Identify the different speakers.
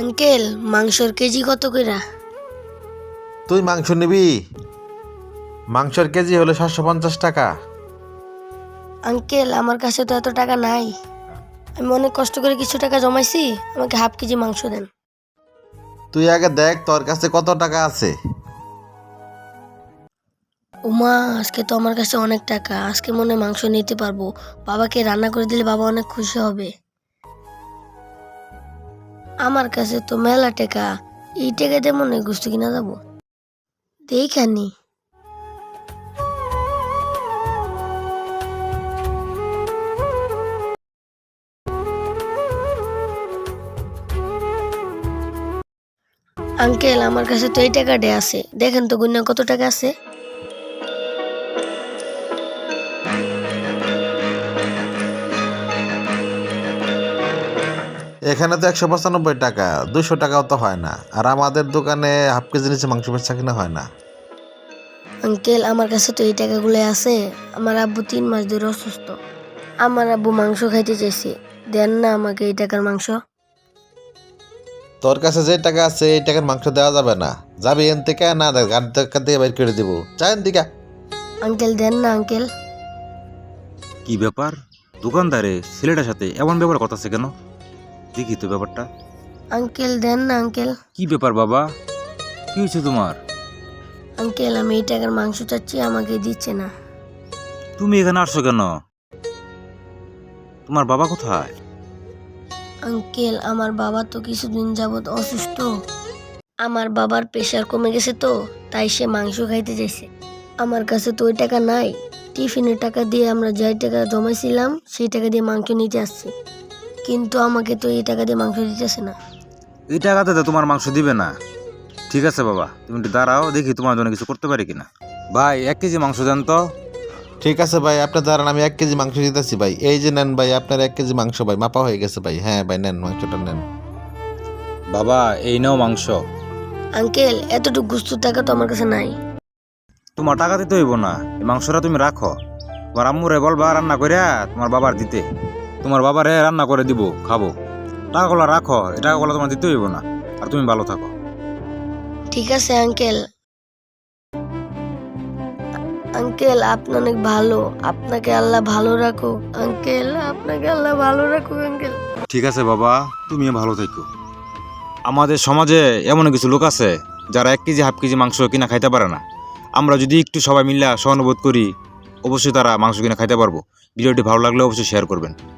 Speaker 1: Uncle মাংসর KG কত কইরা?
Speaker 2: তুই মাংস নিবি? মাংসের কেজি হলো 750 টাকা।
Speaker 1: আঙ্কেল আমার কাছে তো এত টাকা নাই। আমি অনেক কষ্ট করে কিছু টাকা জমাইছি, আমাকে হাফ কেজি মাংস দেন।
Speaker 2: তুই আগে দেখ তোর কাছে কত টাকা আছে।
Speaker 1: উমা, আজকে তো আমার কাছে অনেক টাকা, আজকে মনে হয় মাংস নিতে পারবো। বাবাকে রান্না করে দিলে বাবা অনেক খুশি হবে। আমার কাছে তো মেলা টাকা, এই টাকা দিয়ে মনে হয় গোস্ত কিনা যাবো। দেখানি আঙ্কেল আমার কাছে তো এই টাকাটা আছে, দেখেন তো গুনা কত টাকা আছে।
Speaker 2: এখানে তো 195 টাকা, 200 টাকাও তো হয় না। আর আমাদের দোকানে হাফ কেজি নিচে মাংস বেচা কিনা হয় না।
Speaker 1: আঙ্কেল আমার কাছে তো এই টাকাগুলো আছে। আমার আব্বু 3 মাস ধরে অসুস্থ। আমার আব্বু মাংস খাইতে চাইছে, দেন না আমাকে এই টাকার মাংস।
Speaker 2: তোর কাছে যে টাকা আছে এই টাকার মাংস দেওয়া যাবে না। যাবি এন থেকে না, গাড়ি টাকা দিয়ে বাইর করে দিব। চাইন দিকা।
Speaker 1: আঙ্কেল দেন না আঙ্কেল।
Speaker 3: কি ব্যাপার? দোকানদারে ছেলেটার সাথে এমন ব্যাপার করতেছে কেন? দেখি তো ব্যাপারটা।
Speaker 1: আঙ্কেল দেন না আঙ্কেল।
Speaker 3: কি ব্যাপার বাবা? কি হয়েছে তোমার?
Speaker 1: আঙ্কেল আমি এই টাকার মাংস চাচ্ছি, আমাকে দিচ্ছে না।
Speaker 3: তুমি এখানে আসছো কেন? তোমার বাবা কোথায়?
Speaker 1: আঙ্কেল আমার বাবা তো কিছুদিন যাবত অসুস্থ। আমার বাবার প্রেশার কমে গেছে তো, তাই সে মাংস খাইতে চাইছে। আমার কাছে তো ওই টাকা নাই। টিফিনের টাকা দিয়ে আমরা যাই টাকা জমাইছিলাম সেই টাকা দিয়ে মাংস নিতে আসছি, কিন্তু আমাকে তো এই টাকা দিয়ে মাংস দিতেছে না।
Speaker 3: এই টাকাতে তো তোমার মাংস দিবে না। ঠিক আছে বাবা, তুমি একটু দাঁড়াও, দেখি তোমার জন্য কিছু করতে পারি কিনা। ভাই 1 কেজি মাংস দেন তো।
Speaker 2: ঠিক আছে ভাই, আপনার দাঁড়ান, আমি 1 কেজি মাংস দিতেছি ভাই। এই যে নেন ভাই, আপনার 1 কেজি মাংস ভাই, মাপা হয়ে গেছে ভাই। হ্যাঁ ভাই, নেন মাংসটা নেন।
Speaker 3: বাবা এই নাও মাংস।
Speaker 1: আঙ্কেল এতটুকু গুস্তুর টাকা তো আমার কাছে নাই।
Speaker 3: তোমার টাকা দিতে হইব না, এই মাংসটা তুমি রাখো। তোমার আম্মুরে বলবা রান্না করিয়া তোমার বাবার দিতে। তোমার বাবারে রান্না করে দিব, খাবো। টাকাগুলো রাখো, এই টাকাগুলো তোমার দিতে হইব না। আর তুমি ভালো থাকো।
Speaker 1: ঠিক আছে আঙ্কেল। আঙ্কেল আপনি অনেক ভালো, আপনাকে আল্লাহ ভালো রাখো। আঙ্কেল আপনাকে আল্লাহ ভালো রাখো আঙ্কেল।
Speaker 3: ঠিক আছে বাবা, তুমিও ভালো থেকো। আমাদের সমাজে এমন কিছু লোক আছে যারা 1 কেজি হাফ কেজি মাংস কিনা খাইতে পারে না। আমরা যদি একটু সবাই মিলে সহানুভূতি করি, অবশ্যই তারা মাংস কিনা খাইতে পারবো। ভিডিওটি ভালো লাগলে অবশ্যই শেয়ার করবেন।